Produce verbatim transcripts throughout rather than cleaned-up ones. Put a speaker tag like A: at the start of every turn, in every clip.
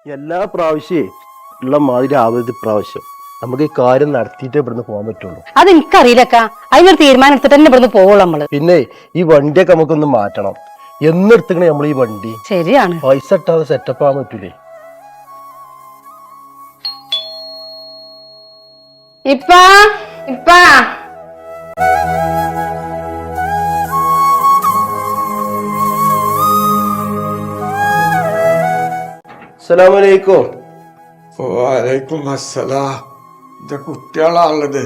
A: എല്ലാ പ്രാവശ്യേ ഉള്ള മാതിരി ആവരുത് ഇപ്രാവശ്യം. നമുക്ക് ഈ കാര്യം നടത്തിയിട്ടേ ഇവിടുന്ന് പോകാൻ പറ്റുള്ളൂ.
B: അത് എനിക്കറിയില്ലക്ക. അതിനൊരു തീരുമാനം എടുത്തിട്ട് തന്നെ ഇവിടുന്ന് പോവുള്ളൂ നമ്മള്.
A: പിന്നെ ഈ വണ്ടിയൊക്കെ നമുക്കൊന്ന് മാറ്റണം. എന്നെടുത്തേ നമ്മൾ ഈ വണ്ടി
B: ശരിയാണ്.
A: പൈസ ഇട്ടാതെ സെറ്റപ്പ് ആവാൻ പറ്റൂലേ.
B: ഇപ്പാ ഇപ്പാ
A: അസ്സലാമലൈക്കും.
C: വാലൈക്കും അസ്സലാം. ഇത് കുട്ടികളാണുള്ളത്.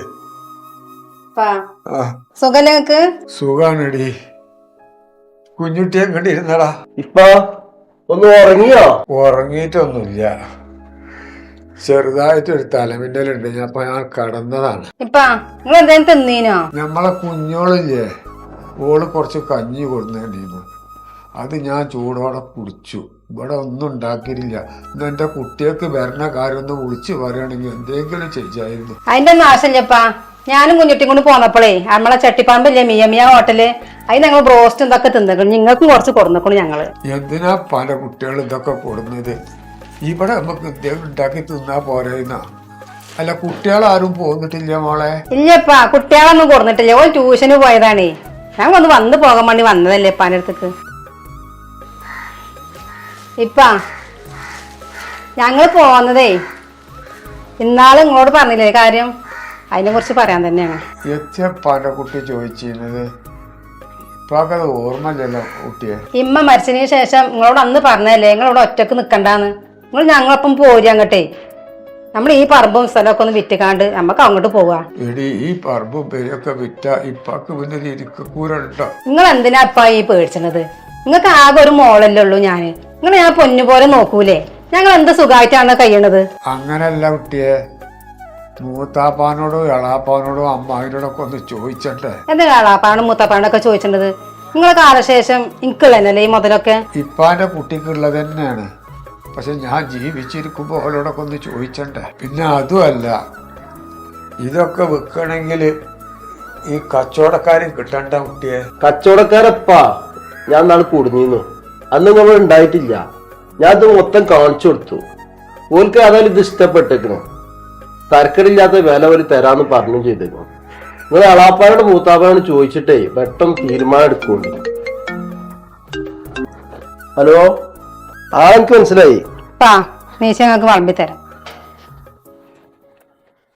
B: സുഖല്ലേ നിങ്ങക്ക്?
C: സുഖാണടി. കുഞ്ഞുട്ടിയെ കണ്ടിരുന്നടാ.
A: ഇപ്പ ഒന്ന് ഉറങ്ങിയോ?
C: ഉറങ്ങിയിട്ടൊന്നുമില്ല, ചെറുതായിട്ടൊരു തലമിന്നലുണ്ട്. ഞാൻ അപ്പൊ ഞാൻ കടന്നതാണ്.
B: ഇപ്പാ നിങ്ങൾ എന്തായാലും തിന്നീനോ?
C: നമ്മളെ കുഞ്ഞോളില്ലേ, ഓള് കുറച്ച് കഞ്ഞി കൊടുന്നിരുന്നു. അത് ഞാൻ ചൂടോടെ കുടിച്ചു. ഇവിടെ ഒന്നും ഉണ്ടാക്കിയിട്ടില്ല. ഇന്ന് എന്റെ കുട്ടികൾക്ക് വരണ കാര്യം ഒന്ന് വിളിച്ചു പറയുകയാണെങ്കിൽ എന്തെങ്കിലും ചെയ്യായിരുന്നു.
B: അതിന്റെ ഒന്നും ആവശ്യമില്ലപ്പാ. ഞാനും കുഞ്ഞുട്ടിയും കൊണ്ട് പോന്നപ്പോഴേ നമ്മളെ ചട്ടിപ്പാമ്പില്ലേ മിയ മിയ ഹോട്ടല്, അതിന് ഞങ്ങൾ ബ്രോസ്റ്റ് ഇതൊക്കെ തിന്നിക്കണം. നിങ്ങൾക്കും കുറച്ച് കൊടുന്നിക്കണം ഞങ്ങള്.
C: എന്തിനാ പല കുട്ടികൾ ഇതൊക്കെ കൊടുന്നത്? ഇവിടെ നമുക്ക് എന്തെങ്കിലും ഉണ്ടാക്കി തിന്നാ പോരായിരുന്ന. അല്ല, കുട്ടികളാരും പോന്നിട്ടില്ല മോളെ?
B: ഇല്ലപ്പാ, കുട്ടികളൊന്നും കൊടുന്നിട്ടില്ല. ഓൻ ട്യൂഷന് പോയതാണേ. ഞാൻ ഒന്ന് വന്ന് പോകാൻ വേണ്ടി വന്നതല്ലേ ഇപ്പാന്റെ അടുത്തേക്ക്. ഇപ്പാ ഞങ്ങൾ പോന്നതേ ഇന്നാള് ഇങ്ങോട്ട് പറഞ്ഞില്ലേ കാര്യം, അതിനെ കുറിച്ച് പറയാൻ തന്നെയാണ്.
C: എത്തിയപ്പാന്റെ കുട്ടി ചോദിച്ചിരുന്നത് ഇപ്പാക്കത് ഓർമ്മയില്ലല്ലോ കുട്ടിയെ.
B: ഇമ്മ മരിച്ചതിന് ശേഷം നിങ്ങളോട് അന്ന് പറഞ്ഞതല്ലേ നിങ്ങളിവിടെ ഒറ്റക്ക് നിക്കണ്ടാന്ന്. നിങ്ങൾ ഞങ്ങളൊപ്പം പോരി അങ്ങോട്ടേ. നമ്മൾ ഈ പറമ്പും സ്ഥലമൊക്കെ ഒന്ന് വിറ്റുകാണ്ട് നമുക്ക് അങ്ങോട്ട് പോവാ.
C: എടി, ഈ പറമ്പും പേരൊക്കെ വിറ്റ ഇപ്പാക്ക് പിന്നെ ഇരിക്കൂരട്ടോ.
B: നിങ്ങൾ എന്തിനാ ഇപ്പാ ഈ പേടിച്ചത്? നിങ്ങൾക്ക് ആകെ ഒരു മോളല്ലേ ഉള്ളൂ ഞാന്. നിങ്ങൾ ഞാൻ പൊന്നു പോലെ നോക്കൂലേ? ഞങ്ങൾ എന്ത് സുഖമായിട്ടാണ് കഴിയണത്.
C: അങ്ങനല്ല കുട്ടിയെ, മൂത്താപ്പാനോടോ എളാപ്പാനോടോ അമ്മാവിനോടൊക്കെ ഒന്ന് ചോദിച്ചണ്ടേ?
B: എന്താ എളാപ്പാനും മൂത്താപ്പാനൊക്കെ ചോദിച്ചിട്ടത്? നിങ്ങളെ കാലശേഷം എനിക്കുള്ളതല്ലേ ഈ മുതലൊക്കെ?
C: ഇപ്പാന്റെ കുട്ടിക്കുള്ളത് തന്നെയാണ്. പക്ഷെ ഞാൻ ജീവിച്ചിരിക്കുമ്പോ അവരോടൊക്കെ ഒന്ന് ചോദിച്ചണ്ടേ? പിന്നെ അതുമല്ല, ഇതൊക്കെ വിൽക്കണമെങ്കിൽ ഈ കച്ചവടക്കാരും കിട്ടണ്ട കുട്ടിയെ.
A: കച്ചവടക്കാരപ്പാ ഞാൻ നാളെ കുടുങ്ങിന്നു. അന്ന് നമ്മൾ ഉണ്ടായിട്ടില്ല. ഞാൻ ഇത് മൊത്തം കാണിച്ചു കൊടുത്തു. ഓൽക്ക് അതായത് ഇത് ഇഷ്ടപ്പെട്ടേക്കണു. തരക്കടില്ലാത്ത വില ഒരു തരാന്ന് പറഞ്ഞു ചെയ്തേക്കണു. നിങ്ങൾ അളാപ്പാനോട് മൂത്താപ്പാനോട് ചോദിച്ചിട്ടേ പെട്ടെന്ന് തീരുമാനം എടുക്കുള്ളൂ. ഹലോ, ആ എനിക്ക് മനസ്സിലായി.
B: പാ നീച്ച ഞങ്ങൾക്ക് വളമ്പി തരാം.